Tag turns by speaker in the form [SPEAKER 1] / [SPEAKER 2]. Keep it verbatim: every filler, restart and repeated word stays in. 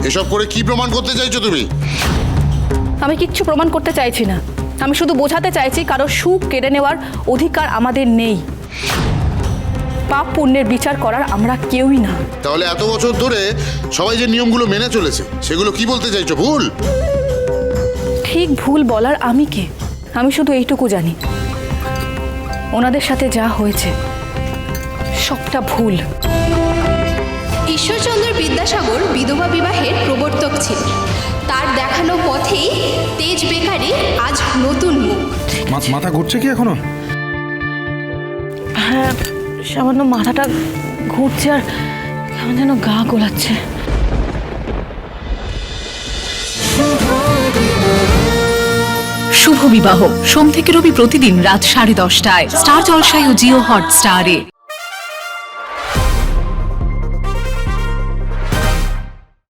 [SPEAKER 1] এসব করে কি প্রমাণ করতে চাইছো তুমি?
[SPEAKER 2] আমি কিচ্ছু প্রমাণ করতে চাইছি না, আমি শুধু বোঝাতে চাইছি কারো সুখ কেড়ে নেওয়ার অধিকার আমাদের নেই। পাপ পুণ্যের বিচার করার আমরা কেউই না।
[SPEAKER 1] তাহলে এত বছর ধরে সবাই যে নিয়মগুলো মেনে চলেছে সেগুলো কি বলতে চাইছো? ভুল?
[SPEAKER 2] ঠিক ভুল বলার আমি কে? আমি শুধু এইটুকু জানি, ওনাদের সাথে যা হয়েছে সবটা ভুল।
[SPEAKER 3] ঈশ্বরচন্দ্র বিদ্যাসাগর বিধবা বিবাহের প্রবর্তক ছিলেন। তার দেখানো পথেই তেজ বেকারি আজ নতুন মুখ।
[SPEAKER 4] মাথা ঘুরছে কি এখনো?
[SPEAKER 2] হ্যাঁ, সামান্য মাথাটা ঘুরছে আর কেমন যেন গা গোলাচ্ছে।
[SPEAKER 5] শুভ বিবাহ সোম থেকে রবি প্রতিদিন রাত সাড়ে দশটায় স্টার জলসায় ও জিও হটস্টারে।